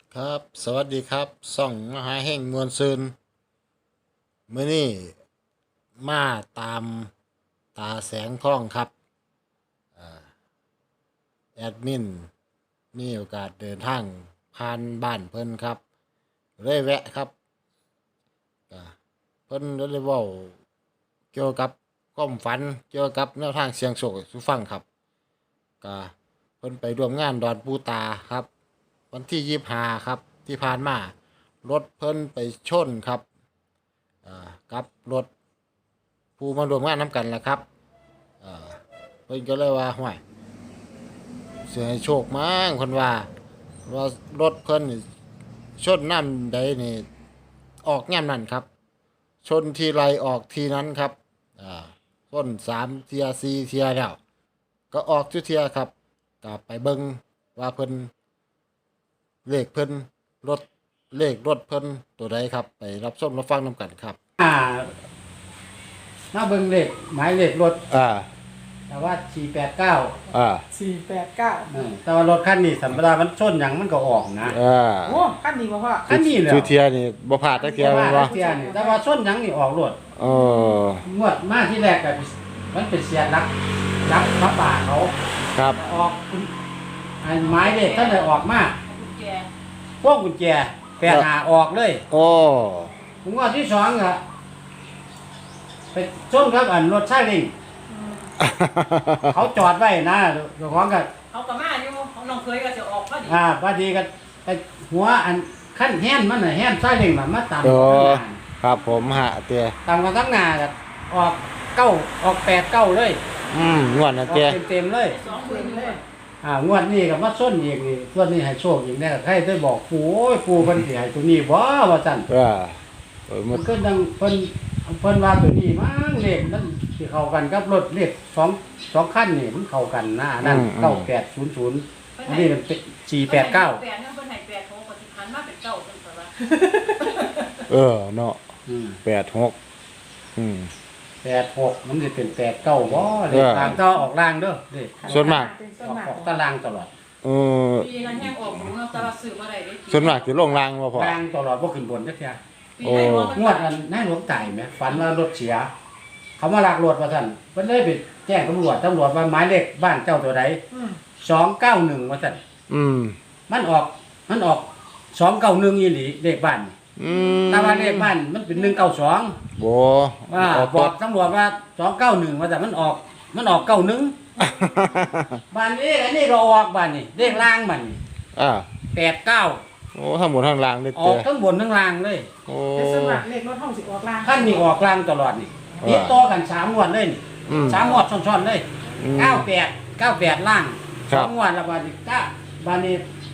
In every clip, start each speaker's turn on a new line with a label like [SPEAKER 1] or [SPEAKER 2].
[SPEAKER 1] ครับสวัสดีครับส่องมหาแห่งมวลซืนมื้อนี้มาตามตาแสงทองครับแอดมินมีโอกาสเดินทางผ่านบ้านเพิ่นครับเลยแวะครับก็เพิ่นเลยเว้าเกี่ยวกับความฝันเกี่ยวกับแนวทางเสียงโชคให้สู่ฟังครับก็เพิ่นไปร่วมงานดอนปูตาครับวันที่25ครับที่ผ่านมารถเพิ่นไปชนครับกับรถผู้มารวมงานน้ำกันแหละครับอ่าเพิ่นก็เลยว่าห่วยเสียให้โชคมั้งเพิ่นว่ารถเพิ่นนี่ชนน้ำใดนี่ออกย่ำนั่นครับชนทีไรออกทีนั้นครับอ่าชน3 เทีย4 เทียแล้วก็ออกทุกเทียครับก็ไปเบิ่งว่าเพิ่นเลขเพิ่นรถเลขรถเพิ่นตัวใดครับไปรับชมรับฟังนำกันครับ
[SPEAKER 2] ถ้าเบิ่งเลขหมายเลขรถแต่ว่า489
[SPEAKER 3] 489
[SPEAKER 2] แต่ว่ารถคันนี้สัมปทานมันชนหยังมันก็ออกนะ
[SPEAKER 3] โอ้คันนี้บ่พ่อ
[SPEAKER 2] คันนี้แหละ
[SPEAKER 1] คือเทียนี่บ่พลาดตะเกียบแม่นบ่
[SPEAKER 2] เทียนี่แต่ว่าชนหยังนี่ออกรถงวดมาที่แรกก็มันเป็นเสียรักพระป่าเขา
[SPEAKER 1] ครับ
[SPEAKER 2] ออกอันหมายเลขท่านได้ออกมาพวกกุญแจ85ออกเลย
[SPEAKER 1] โอ้
[SPEAKER 2] งวดที่2ก็ไปชนครับอันรถซาเล้งเขาจอดไว้นะเจ้าของก็
[SPEAKER 3] เขาก็มาอยู่ของน้องเคยก็จะออกพอดี
[SPEAKER 2] พอดีก็ไปหัวอันขั้นแฮนมันน่ะแฮนซาเล้งน่ะมาตาม
[SPEAKER 1] ครับผมหะเตีย
[SPEAKER 2] ตามกันทั้งหน้าก็ออก9ออก8 9เลย
[SPEAKER 1] งวดน่ะเตีย
[SPEAKER 2] เต็มเลย
[SPEAKER 3] 20,000เลย
[SPEAKER 2] งวดนี้ก็มาส้นอีกนี่ส่วนนี้ให้โชคอีกแน่ใครได้บอกปู่โอ้ยปู่เพิ่นสิให้ตัวนี้บ่ว่าซั่นมันก็ดังเพิ่นว่าตัวนี้มั้งเลขมันสิเข้ากันกับรถเลข2คันนี่มันเข้ากันนะนั่น9800อันนี้มันเป็น489
[SPEAKER 3] 8เพิ่นให้8โหปฏิพันธ์มาเป็น9เพิ่นว่า
[SPEAKER 1] เนาะ86
[SPEAKER 2] 86มันสิเป็น89บ่เลขทางต่อออกล่างเด้อเลข
[SPEAKER 1] ส่วนมาก
[SPEAKER 2] ออกตารางตลอด
[SPEAKER 3] ปีนั้นแฮงออกบ่เนาะแต่ว่าซื้อบ่ได้เด้
[SPEAKER 1] ส่วนมากสิลงล่างบ่พอ
[SPEAKER 2] ล่างตลอดบ่ขึ้นบนจักเที่ย
[SPEAKER 3] ปีไหนบ่
[SPEAKER 2] งวดนั้นนายหลวงตายไหมฝันว่ารถเสียเขามาลักรถว่าซั่นเพิ่นเลยไปแจ้งตำรวจว่าหมายเลขบ้านเจ้าตัวใด291ว่าซั่นมันออก291อีหลีเลขบ้านแต่ว่าเลขบ้านมันเป็น192
[SPEAKER 1] บ่
[SPEAKER 2] ว่าบอกตำรวจว่า291ว่าแต่มันออก91บ้านนี้อันนี้ก็ออกบ้านนี่เลขล่างมัน89
[SPEAKER 1] โอ้ทั้งบนทั้งล่างเลย
[SPEAKER 2] ออกทั้งบนทั้งล่างเลย
[SPEAKER 1] โอ้
[SPEAKER 3] แต่ส่วนมากเลขรถเฮาสิออกล่าง
[SPEAKER 2] คันนี้ออกล่างตลอดนี่ติดต่อกัน3งวดเลยนี่3งวดซ้อนๆเลย98ล่าง2งวดแล้วบาดนี้บาดนี้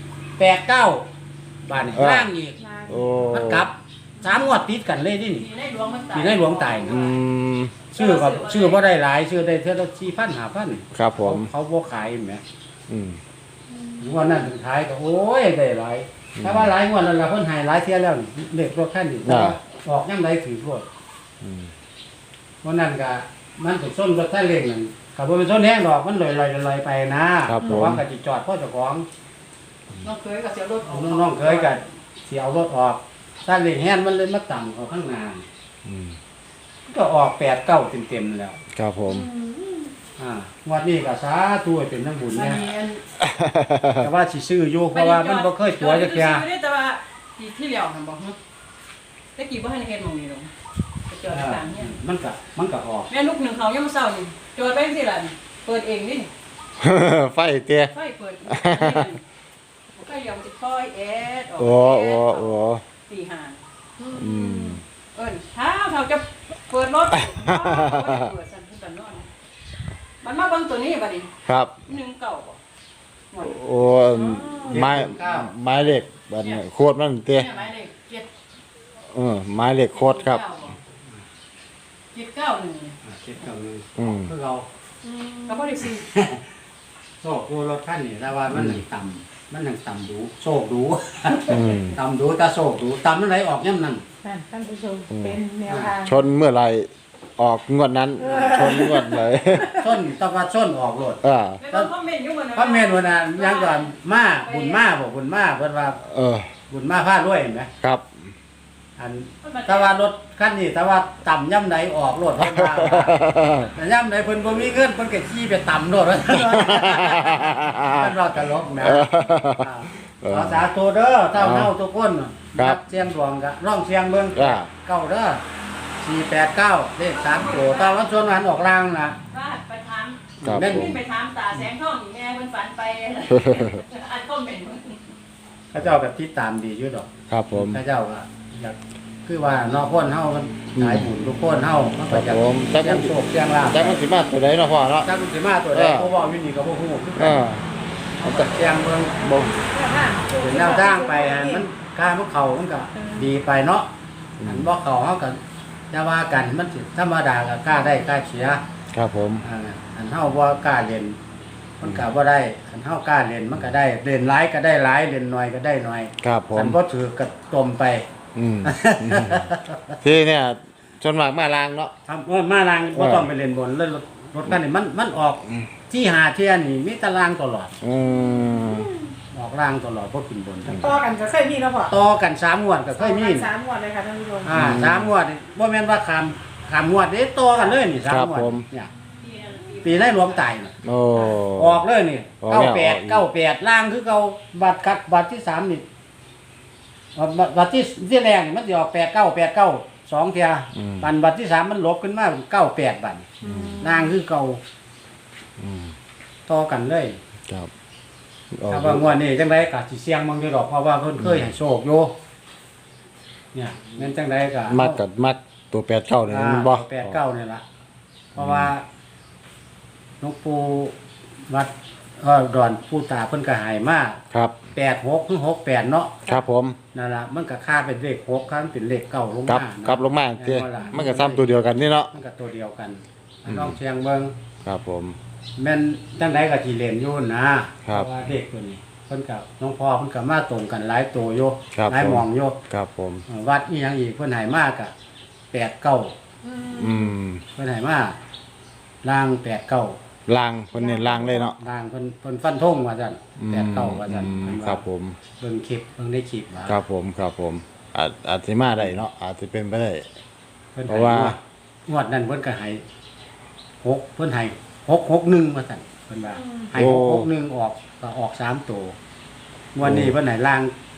[SPEAKER 2] 89บาดนี้ล่างอีกมันกลับ3งวดติดกันเลยนี่
[SPEAKER 3] ในหลวง
[SPEAKER 2] ตายชื่อบ่ได้หลายชื่อได้เท่าละ 4,000 5,000
[SPEAKER 1] ครับผม
[SPEAKER 2] เขาบ่ขายแหมงวดนั้นถึงท้ายก็โอ้ยได้หลายถ้าว่าหลายงวดแล้วล่ะเพิ่นให้หลายเที่ยแล้วเลขรถคันนี้ออกยามใดถือรถวันนั้นก็มันเป็นส้นรถซาเล้งนั่นก็บ่เป็นส้นแห้งดอกมันลอยๆไปนะเพราะว่าก็สิจอดพ่อเจ้าของ
[SPEAKER 3] น้องเคยก็เสียรถออก
[SPEAKER 2] น้องเคยก็สิเอารถออกซาเล้งแห้งมันเลยมาต่ำออกข้างหน้าก็ออก8 9เต็มๆแล้ว
[SPEAKER 1] ครับผม
[SPEAKER 2] งวดนี้ก็สาธุให้เป็นน้ำบุญเนี่ยแต่ว่าสิซื้ออยู่เพราะว่ามันบ่เคยตัวจักเที่ย
[SPEAKER 3] แต่ว่าที่แล้วหั่นบ่ตะกี้บ่ทันเฮ็ดหม่องนี้ดอกจอดตามเนี่ย
[SPEAKER 2] มันก็ออก
[SPEAKER 3] แม่ลูกหนึ่งเขายังมาเศร้านี่จอดไปสิล่ะเปิดเองนี่
[SPEAKER 1] ไฟเตี้ย
[SPEAKER 3] ไฟเปิดก็ยอมจะค่อยออก
[SPEAKER 1] โอ้
[SPEAKER 3] ตีห่างเท้าจะเปิดรถเปิดสั่นขึ้นตอนนอนมันมาเบิ่งตัวนี้บัดนี้
[SPEAKER 1] ครับ
[SPEAKER 3] 19
[SPEAKER 1] โอ้ไม้เหล็กบัดนี้โคตรมันเตี้ย
[SPEAKER 3] ไม้เหล็ก
[SPEAKER 1] ไม้เหล็กโคตรครับ
[SPEAKER 3] 791
[SPEAKER 2] คือเรา
[SPEAKER 3] ก็บ่ได้ซื้อ
[SPEAKER 2] โชคดูรถคันนี่แต่ว่ามันต่ำดูโชคดูต่ำดูตาโชคดูต่ำนั่นไหนออกย่ำนั่น
[SPEAKER 3] ท่านผู้ชมเป็นแนวทาง
[SPEAKER 1] ชนเมื่อไรออกงวดนั้นชนงวดเลย
[SPEAKER 2] ชนตะวันชนออกรถ
[SPEAKER 3] คอมเมนต์อยู่
[SPEAKER 2] คอมเมนต์วันนั้นยังก่อนมาบุญมาบอกบุญมาเพิ่นว่าบุญมาพาด้วยเห็นไหม
[SPEAKER 1] ครับ
[SPEAKER 2] อันแต่ว่ารถคันนี้แต่ว่าต่ำย่ำไหนออกรถเพิ่นว่าแต่ย่ำไหนเพิ่นบ่มีเงินเพิ่นก็ขี่ไปต่ำรถว่ามันว่าตลกนะขอสาธุเด้อเท่าเฮาทุกคนนักเสียงดวงก็ร้องเสียงเบิ่งเก้าเด้อ489เลข3ตัวแต่ว่าส่วนนั้นออกล่างนะ
[SPEAKER 3] ว่าไปถาม
[SPEAKER 1] ครับ
[SPEAKER 2] แม่น
[SPEAKER 1] ผม
[SPEAKER 3] ไปถามตาแสงทองนี่แม่เพิ่นฝันไปอันคอมเมนต์
[SPEAKER 2] เขาเจ้าก็ติดตามดีอยู่ดอก
[SPEAKER 1] ครับผม
[SPEAKER 2] เขาเจ้าก็อยากคือว่านอกคนเฮามันหลายบุญทุกคนเฮามันก็อยาก
[SPEAKER 1] ครับผม
[SPEAKER 2] เสียงโชคเสียงลาภ
[SPEAKER 1] จักมันสิมาตัวใดเนาะพ่อเนาะ
[SPEAKER 2] จักมันสิมาตัวใดผู้เว้าอยู่นี่ก็บ่ฮู้คือ
[SPEAKER 1] เอ
[SPEAKER 2] กัน
[SPEAKER 1] อ
[SPEAKER 2] เอาแต่เสียงเบิ่ง
[SPEAKER 1] บ่
[SPEAKER 2] เป็นแนวทางไปอันมันการพวกเขามันก็ดีไปเนาะอันบ่เขาเฮาก็จะว่ากันมันสิธรรมดาก็กล้าได้กล้าเสีย
[SPEAKER 1] ครับผม
[SPEAKER 2] อันเฮาบ่กล้าเล่นมันก็บ่ได้อันเฮากล้าเล่นมันก็ได้เล่นหลายก็ได้หลายเล่นน้อยก็ได้น้อย
[SPEAKER 1] ครับผม
[SPEAKER 2] อันบ่ถือก็ตมไป
[SPEAKER 1] อืมที่เนี่ยชนมากมาลางเนาะ
[SPEAKER 2] ทำว่ามาลางบ่ต้องไปเล่นบนเลยรถคันนี้มันออกที่หาเที่ยนี่มีตารางตลอด
[SPEAKER 1] อืม
[SPEAKER 2] ออกล่างตลอดบ่ขึ้นบน
[SPEAKER 3] ต่อกันก็เคยมีแล้วพ่อ
[SPEAKER 2] ต่อกัน3งวดก็เคยมี
[SPEAKER 3] สามงวดเลยค่ะท่านผู้ชม
[SPEAKER 2] 3งวดนี่บ่แม่นว่าขามงวดเด้ต่อกันเลยนี่3งวดเนี่ยปีได้รวมตายน่ะ
[SPEAKER 1] โอ้
[SPEAKER 2] ออกเลยนี่
[SPEAKER 1] ออกแล้ว
[SPEAKER 2] 98ล่างคือเก่าบัตรที่3นี่บัตรที่แรกนี่มันสิออก89 2เที่ยบัตรที่3มันลบขึ้นมา98บัตรล่างคือเก่า
[SPEAKER 1] อืม
[SPEAKER 2] ต่อกันเลย
[SPEAKER 1] ครับ
[SPEAKER 2] ถ้าว่างวดนี้จังไดก็สิเสี่ยงมั่งอยู่ดอกเพราะว่าเพิ่นเคยให้โชคอยู่เนี่ยแม่นจังไดก็
[SPEAKER 1] มักกับมักตัว89นี่มันบ่
[SPEAKER 2] 89นี่ล่ะเพราะว่าหลวงปู่วัดดอนปู่ตาเพิ่นก็ให้มา
[SPEAKER 1] ครับ
[SPEAKER 2] 86ถึง68เนาะ
[SPEAKER 1] ครับผม
[SPEAKER 2] นั่นล่ะมันก็ค่าเป็นเลข6คันเป็นเลข9ลง
[SPEAKER 1] กลับ
[SPEAKER 2] มานะ
[SPEAKER 1] กลับลงมาเจ้มันก็ซ้ำตัวเดียวกันนี่เนาะ
[SPEAKER 2] มันก็ตัวเดียวกันลองเชียงเบิ่ง
[SPEAKER 1] ครับผม
[SPEAKER 2] แม่นจังไดก็สิเล่นอยู่นะครับ เพราะว่าเลขตัวนี้เพิ่นก็หลวงพ่อเพิ่นก็มาตรงกันหลายตัวอยู่
[SPEAKER 1] ครับ
[SPEAKER 2] หลาย
[SPEAKER 1] ผม
[SPEAKER 2] หม่องอยู่
[SPEAKER 1] ครับผม
[SPEAKER 2] วัดอีหยังอีกเพิ่นให้มากะ89
[SPEAKER 1] อืม
[SPEAKER 2] เพิ่นให้มาล่าง89
[SPEAKER 1] ลางเพิ่นเน้นลางเลยเนาะ
[SPEAKER 2] ล่างเพิ่นฟันธงว่าซั่น89ว่าซั่น
[SPEAKER 1] อืม
[SPEAKER 2] เพิ่นว่า
[SPEAKER 1] ครับผม
[SPEAKER 2] เบิ่งคลิปเบิ่งได้คลิปว่า
[SPEAKER 1] ครับผมครับผมอาจสิมาได้เนาะอาจจะเป็นไปได้
[SPEAKER 2] เพิ่น
[SPEAKER 1] เพราะว่า
[SPEAKER 2] งวดนั้นเพิ่นก็ให้6เพิ่นให้661ว่าซั่นเพิ่นว่าให้661ออกก็ออก3ตัวงวดนี้เพิ่นให้ล่าง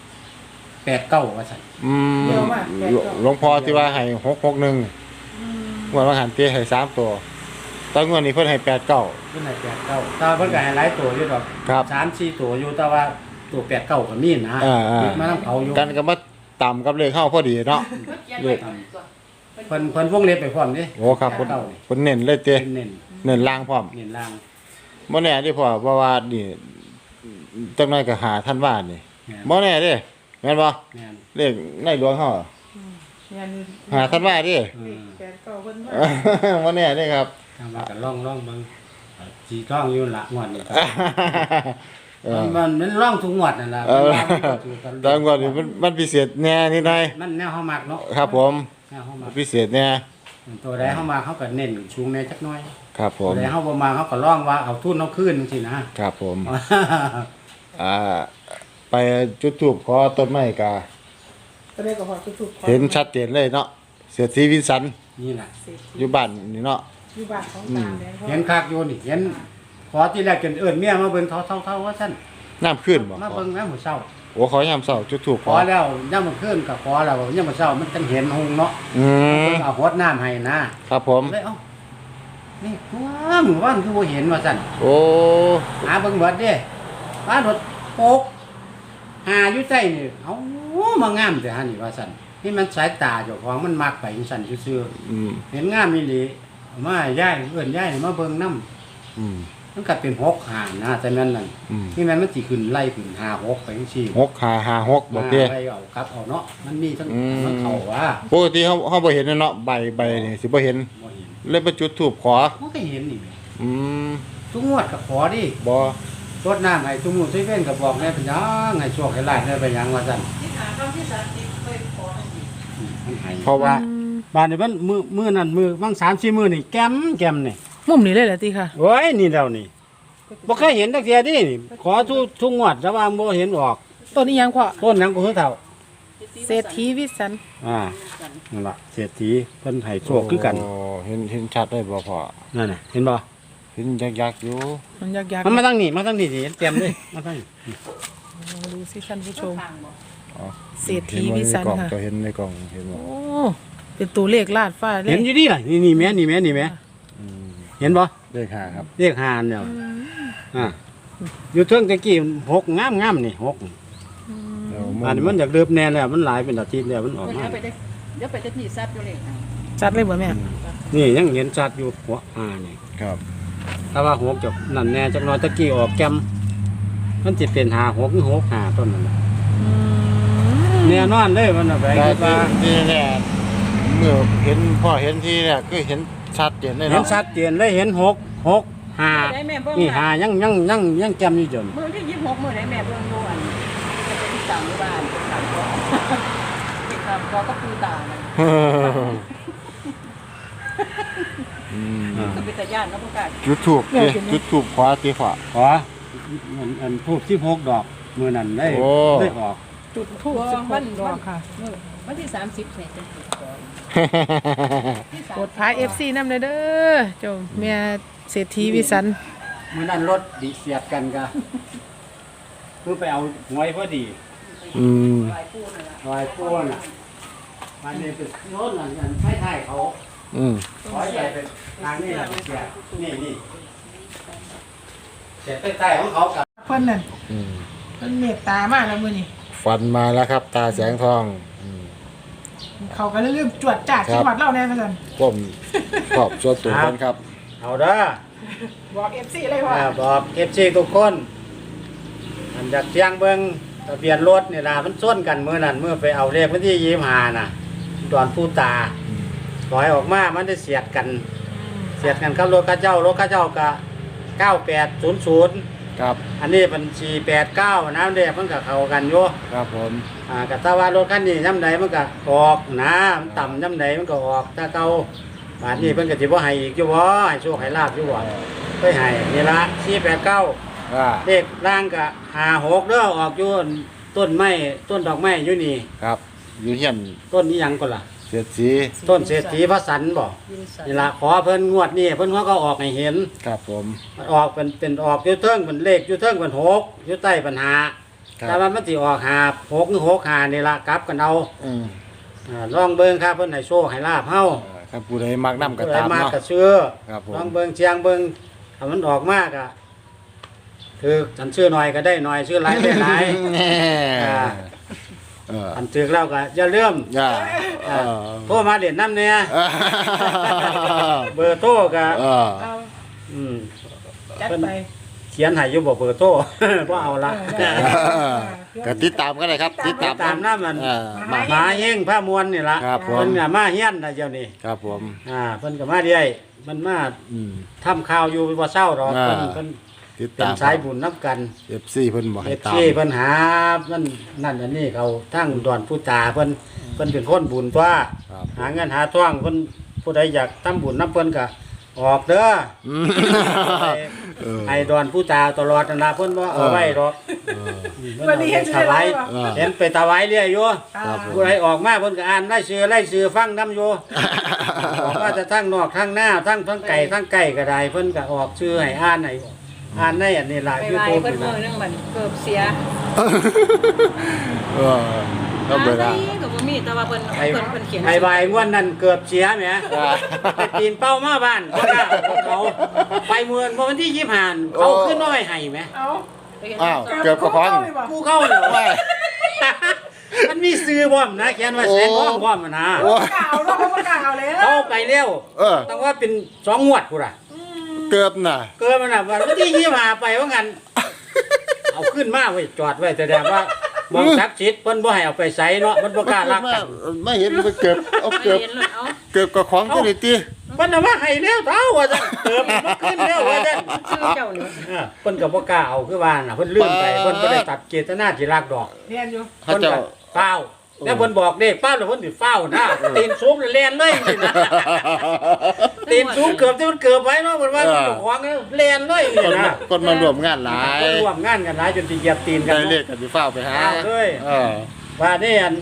[SPEAKER 2] 89ว่าซั่น
[SPEAKER 1] อืม
[SPEAKER 3] เยอะมาก
[SPEAKER 1] หลวงพ่อที่ว่าให้661งวดว่าหันเตี้ยให้3ตัวตอนงวดนี้เพิ่นให้89
[SPEAKER 2] เพิ่นให้89แต่ว่าเพิ่นก็ให้หลายตัวอยู่ดอก
[SPEAKER 1] ครับ
[SPEAKER 2] 3-4ตัวอยู่แต่ว่าตัว89ก็มีนะ
[SPEAKER 1] อ่า
[SPEAKER 2] ติดมานํเขาอยู่
[SPEAKER 1] กันก็มาต่ำกับเลขเข้าพอดีเนาะ
[SPEAKER 3] เลข
[SPEAKER 2] เพิ่นวงเล็บไปพร้อมเด้
[SPEAKER 1] โอ้ครับเพิ่น
[SPEAKER 2] 89นี่
[SPEAKER 1] เพิ่นเน้นเลยเตี้ย
[SPEAKER 2] เน้น
[SPEAKER 1] เน้นลางพร้อม
[SPEAKER 2] เน้นล่าง
[SPEAKER 1] บ่แน่เดิพ่อเพราะว่านี่จังได๋ก็หาท่านว่านี่
[SPEAKER 2] แม่น
[SPEAKER 1] บ่แน่เด้แม่นบ่
[SPEAKER 2] แม่น
[SPEAKER 1] เลขในหลวงเฮา
[SPEAKER 3] งาน
[SPEAKER 1] หาท่านว่าเดิ
[SPEAKER 3] แกก็เพิ่นมา
[SPEAKER 1] บ่แน่เด้ครับ
[SPEAKER 2] ทางว่าก็ล่องเบิ่งสีท่องอยู่ละงวดนี่ครับ
[SPEAKER 1] เออ
[SPEAKER 2] มันล่องทุกงวดนั่นล่ะ
[SPEAKER 1] เออ
[SPEAKER 2] มัน
[SPEAKER 1] ตอนก่อนนี่มันพิเศษแน่นิดหน่อย
[SPEAKER 2] มันแนวเฮามักเนาะ
[SPEAKER 1] ครับผม
[SPEAKER 2] แนวเฮามัก
[SPEAKER 1] พิเศษแน่
[SPEAKER 2] ตัวใดเฮามักเฮาก็เน้นชูงแน่จักหน่อย
[SPEAKER 1] ครับผ
[SPEAKER 2] ตัว
[SPEAKER 1] ม
[SPEAKER 2] ใดเฮาบ่มักเฮาก็ล่องว่าเอาทุนเอาคืนจังซี่นะครับ
[SPEAKER 1] ผมอ่าไปจุดธูปขอต้นไม้กา
[SPEAKER 3] ก็เลยก็พอทุกๆ
[SPEAKER 1] เห็นชัดเจนเลยเนาะเสียทีวิสัน
[SPEAKER 2] นี่ล่ะ
[SPEAKER 1] อยู่บ้านนี่เนาะ
[SPEAKER 3] อยู่บ้านของตาแดง
[SPEAKER 2] เห็นคักอยู่นี่เห็นขอที่แรกจนเอิ้นเมียมาเบิ่งเท่าว่าซั่น
[SPEAKER 1] น้ำขึ้นบ่
[SPEAKER 2] มาเบิ่งแม่มื้อเช้า
[SPEAKER 1] โอ้ขอยามเช้าจุดธูป
[SPEAKER 2] ขอแล้วย่ำมื้อคืนก็ขอแล้วย่ำมื้อเช้ามันจังเห็นหงเนาะ
[SPEAKER 1] อืม
[SPEAKER 2] เอาหดน้ำให้นะครับ
[SPEAKER 1] ผม
[SPEAKER 2] เลยเอ้านี่ตัวหมู่บ้านคือบ่เห็นว่าซั่น
[SPEAKER 1] โอ้
[SPEAKER 2] หาเบิ่งเบิดเด้บ้านรถโปกหาอยู่ใต้นี่เอ้ามางามแต่ฮะนี่ว่าซั่นนี่มันสายตาเจ้าของมันมักไปจังซั่นซื่อ
[SPEAKER 1] อืม
[SPEAKER 2] ๆเห็นงามอีหลีเอามาให้ย้ายเอิ้นย้ายมาเบิ่งนำ
[SPEAKER 1] อืม
[SPEAKER 2] มันก็เป็น6หานะแต่แม่นนั่น
[SPEAKER 1] อืม
[SPEAKER 2] นี่แม่นมันสิขึ้นไล่ขึ้น5 6ไปจังซี่
[SPEAKER 1] 6556บ่เด้
[SPEAKER 2] ไปเอากลับเอาเนาะมันมีทั้ง
[SPEAKER 1] อืม
[SPEAKER 2] มันเข้าว่า
[SPEAKER 1] ปกติเฮาบ่เห็นเนาะใบนี่สิบ่เห็น
[SPEAKER 2] บ่เห็น
[SPEAKER 1] เลยไปจุดธูปขอ
[SPEAKER 2] มันก็เห็นนี่แหละ
[SPEAKER 1] อืม
[SPEAKER 2] ทุกงวดก็ขอดิ
[SPEAKER 1] บ่
[SPEAKER 2] รดน้ำให้ทุกมื้อทุกเว้นก็บอกแน่เป็นหยังให้โชคให้ลาภได้เป็นหยังว่าซั่น
[SPEAKER 3] ที่หาคำที่30เคยขอทันที
[SPEAKER 2] มันให้
[SPEAKER 1] เพราะว่า
[SPEAKER 2] บ้านนี่มันมื้อนั้นมื้อบาง3-4มื้อนี่แก้มนี่
[SPEAKER 4] มุมนี้เลยเหรอตีค่ะ
[SPEAKER 2] โอ้ยนี่แล้วนี่บ่เคยเห็นจักเที่ยดินี่ขอทุกงวดแต่ว่าบ่เห็นออก
[SPEAKER 4] ต้นนี้ยังพ่อ
[SPEAKER 2] ต้นหยังก็คือเฒ่า
[SPEAKER 4] เศรษฐีวิสัน
[SPEAKER 2] นั่นล่ะเศรษฐีเพิ่นให้โชคคือกัน
[SPEAKER 1] โอ้เห็นชัดได้บ่พ่อ
[SPEAKER 2] นั่นน่ะเห็นบ่
[SPEAKER 1] เห็นยักษ์ๆอยู่
[SPEAKER 4] มันยาก
[SPEAKER 2] มันมาทางนี้มาทางนี้สิเห็นเต็มเลยมาทางนี้
[SPEAKER 4] ๆดูสิท่านผู้ชม
[SPEAKER 3] ทางบ่
[SPEAKER 1] อ๋อ
[SPEAKER 4] เศรษฐีวิสันค่ะ
[SPEAKER 1] เห็นในกล่องเห็นบ่
[SPEAKER 4] โอ้เป็นตัวเลขลาดฟ้าเล
[SPEAKER 2] เห็
[SPEAKER 4] ย
[SPEAKER 2] นอยู่ดิล่ะนี่แม่นี่แม่นี่แม่
[SPEAKER 1] อืม
[SPEAKER 2] เห็นบ่
[SPEAKER 1] เลข5ครับ
[SPEAKER 2] เรียกหานเนี่ยอยู่เทิงตะกี้หกงามนี่หก
[SPEAKER 1] แล้ว
[SPEAKER 2] อันนี้มันอยากเริ่มแน่แล้วมันหลายเป็นอาทิตย์แล้วมันออก
[SPEAKER 3] เพิ่น
[SPEAKER 2] มา
[SPEAKER 3] เอาไปได้เดี๋ยวไปจะที่ซับอยู่เลย
[SPEAKER 4] จัดเลยบ่แม่
[SPEAKER 2] นี่ยังเห็นชัดอยู่หัวนี่
[SPEAKER 1] ครับ
[SPEAKER 2] ถ้าว่าหกจะนั่นแน่จักหน่อยตะกี้ออกแกมมันสิเป็นหาหกหรือหกหาต้นนั่นแหละ
[SPEAKER 4] อืม
[SPEAKER 2] แน่นอนเลยมันน่ะไป
[SPEAKER 1] แต่
[SPEAKER 2] คิดว่า
[SPEAKER 1] ที่เนี่ยเมื่อเห็นพ่อเห็นที่เนี่ยก็เห็นชัดเจนเลย
[SPEAKER 2] เห็น
[SPEAKER 1] เนาะ
[SPEAKER 2] ชัดเจนเลยเห็นหกหกหา
[SPEAKER 3] ได้แม่เบิ่ง
[SPEAKER 2] นี่หายังแกมอยู่จน
[SPEAKER 3] มื้อที่26มื้อได้แม่เบิ่งดูอันจะไปที่ต่างหมู่บ้านเป็นต่างบ่เป็นต่างบ่ก็คือตานั่น
[SPEAKER 1] อืม
[SPEAKER 3] ก็เป็นตาย่านเนาะพวกกัน
[SPEAKER 1] จุดถูกจุดถูกขวาตีขวา
[SPEAKER 2] ขออันทูบ16ดอกมือนั้นได้
[SPEAKER 1] โอ้
[SPEAKER 2] ได้ออก
[SPEAKER 4] จุดทูบ16ดอกค่ะ
[SPEAKER 3] วันที่30เนี่ยจะถูกก่อน
[SPEAKER 4] กดพาย FC นำเลยเด้อเจ้าแม่เศรษฐีวิสัน
[SPEAKER 2] มือนั้นรถดิเสียดกันกะคือไปเอาหวยพอดี
[SPEAKER 1] อืม
[SPEAKER 3] หลายปูนั่นล่ะ
[SPEAKER 2] ลอยป้วนอ่ะมันนี่เป็นโน้นอันไฟไทยเขา
[SPEAKER 1] อืม
[SPEAKER 2] ขอใหญ่เป็นทางนี้แหละเสียนี่เสียไฟไทยของเขากับ
[SPEAKER 4] เพิ่นนั่น
[SPEAKER 1] อืม
[SPEAKER 4] เพิ่นเมตตามากแล้วมื้อนี้
[SPEAKER 1] ฟันมาแล้วครับ ตาแสงทองอืม
[SPEAKER 4] เขาก็เริ่มจวดจ้าดจังหวัดเราแน่ว่าซั่น
[SPEAKER 1] ก้มขอบส่วนตัวกันครับ
[SPEAKER 2] เอาเด้อ
[SPEAKER 4] บอก FC เลยว่า
[SPEAKER 2] บอกเอฟซีทุกคนอันจากเชียงเบิงทะเบียนรถนี่ล่ะมันส้นกันเมื่อนั้นเมื่อไปเอาเลขวันที่25น่ะตอนผู้ตาถอยออกมามันได้เสียดกัน เสียดกันกับรถข้าเจ้ารถข้าเจ้าก็9800
[SPEAKER 1] ครับ
[SPEAKER 2] อันนี้เป็น489น้ำเด็กมันก็เข้ากันอยู่
[SPEAKER 1] ครับผม
[SPEAKER 2] ก็ถ้าว่ารถคันนี้ย่ำใดมันก็ออกนะมันต่ำย่ำใดมันก็ออกถ้าเก่าบาดนี้เพิ่นก็สิบ่ให้อีกอยู่บ่ให้โชคให้ลาบอยู่บ่ไปให้นี่ละ489
[SPEAKER 1] อ่า
[SPEAKER 2] เลขล่างก็56เด้อออกอยู่ต้นไม้ต้นดอกไม้อยู่นี่
[SPEAKER 1] ครับอยู่เฮียน
[SPEAKER 2] ต้นนี้หยังก็ล่ะ
[SPEAKER 1] เสียดสี
[SPEAKER 2] ต้นเศรษฐีพระสันบ่
[SPEAKER 3] ยินสัน
[SPEAKER 2] นี่ล่ะขอเพิ่นงวดนี้เพิ่นก็ออกให้เห็น
[SPEAKER 1] ครับผม
[SPEAKER 2] มันออกเป็นออกอยู่เทิงเป็นเลขอยู่เทิงเป็น6อยู่ใต้เป็น5
[SPEAKER 1] ครั
[SPEAKER 2] แต่
[SPEAKER 1] บ
[SPEAKER 2] ว่ามันสิออก6หรือ6 5นี่ล่ะกลับกันเอา
[SPEAKER 1] อืม
[SPEAKER 2] ลองเบิ่งครับเพิ่นให้โชคให้ลาบเฮา
[SPEAKER 1] ครับผู้ใดมักน้ำก็
[SPEAKER 2] ผู้ใด
[SPEAKER 1] ตาม
[SPEAKER 2] มาก
[SPEAKER 1] เนาะ
[SPEAKER 2] ก็ซื้อ
[SPEAKER 1] ครับผม
[SPEAKER 2] ลองเบิ่งเชียงเบิ่งถ้ามันออกมากอ่ะคือฉันซื้อหน่อยก็ได้หน่อยซื้อหลายได้หลาย
[SPEAKER 1] แน่
[SPEAKER 2] อ่า
[SPEAKER 1] เออ
[SPEAKER 2] อันถึกแล้วก็อย่าลืม
[SPEAKER 1] อย่า
[SPEAKER 2] โทรมาเด่นน้ำเนี่ย เบอร์โทรก็
[SPEAKER 1] เออ
[SPEAKER 4] เอา
[SPEAKER 2] อืม
[SPEAKER 4] จัดไป
[SPEAKER 2] เขียนให้อยู่บ่เบอร์โทร บ่เอาละ
[SPEAKER 1] ก็ติดตามก็ได้ครับ ติดตาม
[SPEAKER 2] ตามน้ำมัน
[SPEAKER 1] เออ
[SPEAKER 2] หมาเฮงผ้ามวลนี่ล่ะ
[SPEAKER 1] ครับผม
[SPEAKER 2] เพิ่นก็มาเฮียนนะเดี๋ยวนี้
[SPEAKER 1] ครับผม
[SPEAKER 2] เพิ่นก็มาเรื่อยมันมา
[SPEAKER 1] อืม
[SPEAKER 2] ทำข่าวอยู่บ่เศร้าหรอก
[SPEAKER 1] อ่า
[SPEAKER 2] เพิ่น
[SPEAKER 1] ติด
[SPEAKER 2] เป็น
[SPEAKER 1] ตาม
[SPEAKER 2] สายบุญนับกัน
[SPEAKER 1] FC เพิ่นบอก
[SPEAKER 2] เอ
[SPEAKER 1] ให้
[SPEAKER 2] ฟ
[SPEAKER 1] ตาม
[SPEAKER 2] ซีเพิ่นหานั่นอันนี้เขาทั้งดอนผู้ตาเพิ่นเป็นคนบุญตัว
[SPEAKER 1] ครับ
[SPEAKER 2] หาเงินหาทองเพิ่นผู้ใดอยากทำบุญนํเพิ่นก็ออกเด้อ
[SPEAKER 1] อืมเออ
[SPEAKER 2] ให้ดอนผู้ตาตลอดนั่นล่ะเพิ่นบ่เอาไว้หรอก
[SPEAKER 1] เออ
[SPEAKER 4] วันนี้เห็น
[SPEAKER 2] ถวาย
[SPEAKER 1] เออ
[SPEAKER 2] เห็นไปถวายเรื่อยอยู่
[SPEAKER 1] ครับผม
[SPEAKER 2] ผู้ใดออกมาเพิ่นก็อ่านไล่ชื่อฟังนํอยู่ ออกมาจะทั้งนอกทั้งหน้าทั้งไก่ทั้งไก่ก็ได้เพิ่นก็ออกชื่อให้อ่านให้อ่านในอันนี้ล่ะ
[SPEAKER 3] ไป
[SPEAKER 2] ยู
[SPEAKER 3] ไว้
[SPEAKER 2] ทูบ
[SPEAKER 3] เพิ่น
[SPEAKER 2] นี่
[SPEAKER 3] มื้อ
[SPEAKER 2] ล่ะ
[SPEAKER 3] นึงมันเกือบเสีย
[SPEAKER 1] เออต้องเวลา
[SPEAKER 3] ก็บ่มีแต่ว่าเพิ่น
[SPEAKER 2] ไอ้
[SPEAKER 3] เพิ่นเขียน
[SPEAKER 2] ไอ้ใบงวดนั้นเกือบเสียแหม ไปปีนเป้ามาบ้านก็ได้เขาไปเมืองวันที่25เขาขึ้นน้อยให้ไหม
[SPEAKER 4] เอา
[SPEAKER 1] อ้าวเกือบกระพอง
[SPEAKER 2] กูเข้าเหรอวะมันมีซื้อบ่อมนะเขียนว่าแสนห้องบ่อมนะ
[SPEAKER 1] โอ้
[SPEAKER 4] กล่าวเราก็กล่าวแล้ว
[SPEAKER 2] เขาไปเร็ว
[SPEAKER 1] เออ
[SPEAKER 2] ต้องว่าเป็น2งวดกูล่ะ
[SPEAKER 1] เกือบน่ะ
[SPEAKER 2] เกินมันน่ะวันที่25ไปว่างั้นเอาขึ้นมาไว้จอดไว้แสดงว่ามองศักดิ์สิทธิ์เพิ่นบ่ให้เอาไปใส่เนาะมันบ่กล้ารักกัน
[SPEAKER 1] ไม่เห็นมันเกือบเอา
[SPEAKER 3] ไม่
[SPEAKER 1] เกือบ
[SPEAKER 3] เห็นเลยเอา
[SPEAKER 1] เกือบกระของตัวนี้ติ
[SPEAKER 2] เพิ่นน่ะว่าให้แล้วเท่าว่าซั่นเติมมันขึ้นแล้วว่าซั่น
[SPEAKER 3] ชื่อเจ้านี่
[SPEAKER 2] เพิ่นก็บ่กล้าเอาคือว่าน่ะเพิ่นลืมไปเพิ่นบ่ได้ตัดเจตนาที่รักดอก
[SPEAKER 4] เรียนอยู่
[SPEAKER 1] เขา
[SPEAKER 2] เพิ่น
[SPEAKER 1] เจะ
[SPEAKER 2] ก็เฝ้าแล้วเพิ่นบอกเด็กเฝ้าแล้วเพิ่นสิเฝ้านะตีนสูงแล้วแล่นเลยนี่นะตีนสูงเกือบที่มันเกือบไว้เนาะเพิ่นว่าเจ้าของแล่นเลยนี่
[SPEAKER 1] คน
[SPEAKER 2] นะ
[SPEAKER 1] คนมารวมงานหลาย
[SPEAKER 2] คนร่วมงานกันหลายจนสิเหยียบตีนกัน
[SPEAKER 1] ได้เล
[SPEAKER 2] เนาะ
[SPEAKER 1] ขกันสิฟ้าวไปหา
[SPEAKER 2] เอาเลย
[SPEAKER 1] เออ
[SPEAKER 2] ว่านี่อัน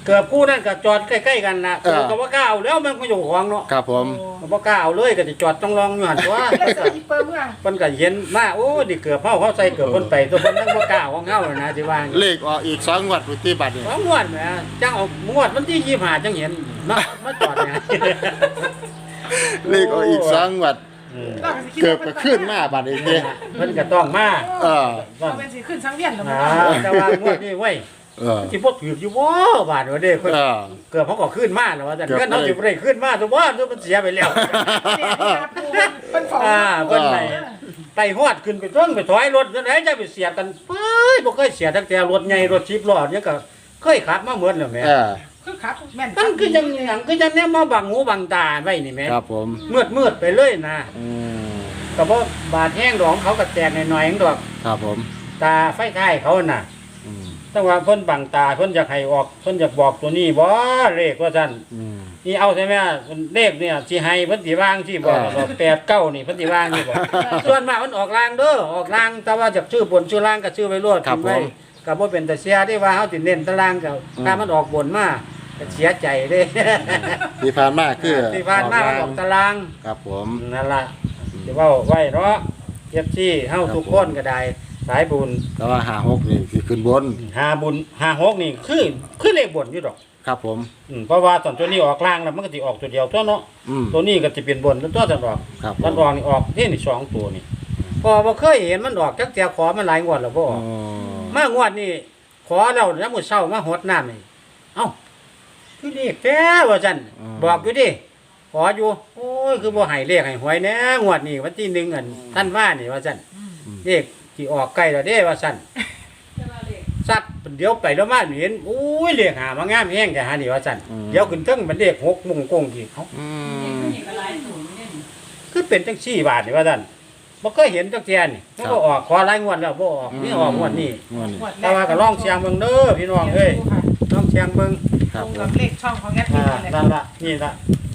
[SPEAKER 2] เกือบคู่นั่นก็จอดใกล้ๆกันนะเกือบก็บ่กล้าเอาแล้วมันก็อยู่ของเนาะ
[SPEAKER 1] ครับผม
[SPEAKER 2] ก็บ่กล้าเอาเลยก็จะจอดต้องลองอยู่หั่นตัว
[SPEAKER 4] เลยใส่อีเปิมอ่ะ
[SPEAKER 2] เพิ่นก็เห็นมาโอ้ดิเกือบเขาใส่เกือบเพิ่นไปตัวเพิ่นทั้งบ่กล้าของเฮานะสิว่า
[SPEAKER 1] เลขออกอีก2งวดพุทธิบัตรนี่
[SPEAKER 2] ของงวดแหมจังเอางวดวันที่25จังเห็นมาจอดเนี่ย
[SPEAKER 1] เลขออกอีก2งวดเกือบก็ขึ้นมาบัดนี้เด้
[SPEAKER 2] เพิ่นก็ต้องมา
[SPEAKER 1] เออ
[SPEAKER 2] ต้อ
[SPEAKER 4] เอา
[SPEAKER 2] ง
[SPEAKER 4] เป็นสิขึ้นสังเวียนแล้ว
[SPEAKER 2] แต่ว่างวดนี้เว้ย
[SPEAKER 1] เออ
[SPEAKER 2] สิบ่ถืออยู่บ่บาดว่าเด้เพิ่น
[SPEAKER 1] เออ
[SPEAKER 2] เกือบเขาก็ขึ้นมาแล้วว่าแต่
[SPEAKER 1] เกือบ
[SPEAKER 2] เงินเขาสิบ่ได้ขึ้นมาตัวบ่ตัวมันเสียไปแล้ว
[SPEAKER 4] เป็นฝอ
[SPEAKER 2] เพิ่นไปฮอดขึ้นไปเทิงไปถอยรถจังไดจะไปเสียกันไปบ่เคยเสียตั้งแต่รถใหญ่รถ10ล้อเนี่ยก็เคยขับมาเหมือนแล้วแหม่
[SPEAKER 1] เออ
[SPEAKER 4] คือครับแม่น
[SPEAKER 2] มันคือยังหยังคือจังแนวมาบังหูบังตาไว้นี่แหม
[SPEAKER 1] ครับผม
[SPEAKER 2] มืดไปเลยนะ
[SPEAKER 1] อืม
[SPEAKER 2] ก็บ่บาดแห้งดอกเขาก็แตกหน่อยๆเองดอก
[SPEAKER 1] ครับผม
[SPEAKER 2] ตาไฟท้ายเขาน่ะ
[SPEAKER 1] อืม
[SPEAKER 2] แต่ว่าเพิ่นบังตาเพิ่นอยากให้ออกเพิ่นอยากบอกตัวนี้บ่เลขว่าซั่น
[SPEAKER 1] อืม
[SPEAKER 2] นี่เอาใช่ไหมเลขเนี่ยสิให้เพิ่นสิวางสิบอก8 9นี่เพิ่นสิวางนี่บอกส่วนมากมันออกลางเด้อออกลางแต่ว่าจากชื่อบนชื่อล่างก็ชื่อไว้รวดทิ้งไว้ก็บ่เป็นแต่เสียได้ว่าเฮาสิเน้นตารางก็ถ้ามันออกบนมาก็เสียใจเด้
[SPEAKER 1] ที่ผ่านมาคือ
[SPEAKER 2] ที่ผ่านมามันออกตาราง
[SPEAKER 1] ครับผม
[SPEAKER 2] นั่นล่ะสิเว้าไว้เนาะFCเฮาทุกคนก็ได้สายบุญ
[SPEAKER 1] แต่ว่า56นี่สิขึ้นบน
[SPEAKER 2] 5บุญ5 6นี่คือเลขบนอยู่ดอก
[SPEAKER 1] ครับผม
[SPEAKER 2] เพราะว่าตอนตัวนี้ออกล่างแล้วมันก็สิออกตัวเดียวตัวเนาะ
[SPEAKER 1] อืม
[SPEAKER 2] ตัวนี้ก็สิเป็นบนแล้วตัวสันออก
[SPEAKER 1] ครับผ
[SPEAKER 2] สัน
[SPEAKER 1] ม
[SPEAKER 2] ออกนี่ออกนี่สองตัวนี่พอบ่เคยเห็นมันออกจักเตียขอมันหลายงวดแล้วบ่อ
[SPEAKER 1] อ๋อ
[SPEAKER 2] อกมางวดนี่ขอแล้วแล้วมื้อเช้ามาหดน้ำนี่เอ้าคือเลขแท้ว่าซั่นบอกอยู่ดิขออยู่โอ้ยคือบ่ให้เลขให้หวยแน่งวดนี้วันที่1อันท่านว่านี่ว่าซั่นเลขที่ออกใกล้แล้วเด้ว่าซั่นสัตว์เดี๋ยวไปแล้วมาเห็นโอ้ยเลขหามางามแฮงแต่หานี่ว่าซั่นเดี๋ยวขึ้นเทิงมันเลข6มุงกงอีกเอ้า
[SPEAKER 1] อืม
[SPEAKER 2] คือเป็นจังซี่บาทนี่ว่าซั่นบ่เคยเห็นจักเที่ยนี่มันก็ออกขอหลายงวดแล้วบ่ออกนี่ออกงวดนี้
[SPEAKER 1] งวดนี้
[SPEAKER 2] แต่ว่าก็ลองเสียงเบิ่งเด้อพี่น้องเอ้ยลองเสียงเบิ่ง
[SPEAKER 1] ค
[SPEAKER 4] ต
[SPEAKER 1] รั
[SPEAKER 4] ร
[SPEAKER 1] บ
[SPEAKER 4] ง
[SPEAKER 1] ผ
[SPEAKER 4] กับ
[SPEAKER 1] ม
[SPEAKER 4] เลขช่องของแอดมินนั่นแหละ
[SPEAKER 2] นั่นล่ะนี่ล่ะ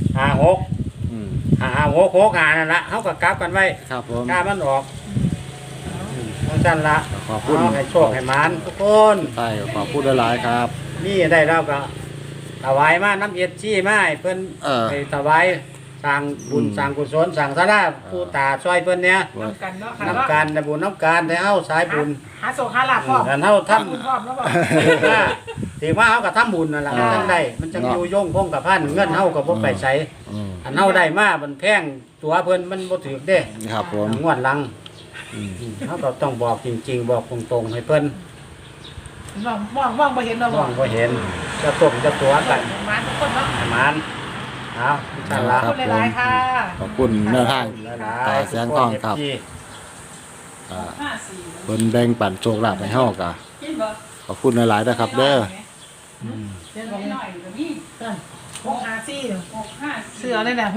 [SPEAKER 2] 56
[SPEAKER 1] อืม
[SPEAKER 2] 56นั่นล่ะเฮาก็กลับกันไว้
[SPEAKER 1] ครับผม
[SPEAKER 2] ถ้ามันออกจังซั่นล่ะ
[SPEAKER 1] ขอบคุณ
[SPEAKER 2] เอาให้โชคให้หมานทุกคน
[SPEAKER 1] ใช่ขอบคุณหลายๆครับ
[SPEAKER 2] นี่ได้แล้วก็ถวายมาน้ำเอ็ดจี้มาให้เพิ่น ไปถวายสร้างบุญสร้างกุศลสร้างศาลาผู้ตาช่วยเพิ่นเนี่ย
[SPEAKER 4] น้ำกันเนาะค่ะ
[SPEAKER 2] น้ำการได้บุญน้ำการได้เฮาสายบุญ
[SPEAKER 4] หาโศกหาลาภพร้อม
[SPEAKER 2] กันเฮาทำ
[SPEAKER 4] บุญพร้อมแล้วบอก
[SPEAKER 2] ถือว่าเฮาก็ทำบุญนั่นล่ะจังได้มันจังอยู่ยงคงกับพันเงินเฮาก็บ่ไปใช้
[SPEAKER 1] อืม
[SPEAKER 2] อันเฮาได้มามันแพงตัวเพิ่นมันบ่ถูกเด้
[SPEAKER 1] ครับผม
[SPEAKER 2] งวดหลัง
[SPEAKER 1] อืม
[SPEAKER 2] เฮาก็ต้องบอกจริงๆบอกตรงๆให้เพิ่น
[SPEAKER 4] มองไปเห็นเราบ
[SPEAKER 2] ม
[SPEAKER 4] อ
[SPEAKER 2] อก งบ่เห็นจะตกจะตัวกัน
[SPEAKER 4] มาทุกคนเนาะ
[SPEAKER 2] ให้มันเอาอินชาอัลลอฮ์
[SPEAKER 4] ขอบคุณหลายๆค่ะ
[SPEAKER 1] ขอบคุณแนวทาง ตาแสงทองครับ อ่าเพิ่นแบ่งปันโชคลาภให้เฮากะขอบคุณหลายๆนะครับเด้อ
[SPEAKER 4] เรื่องของ
[SPEAKER 3] หน่อยก็มี
[SPEAKER 4] 654
[SPEAKER 3] 6 5
[SPEAKER 4] เสือเลยนะ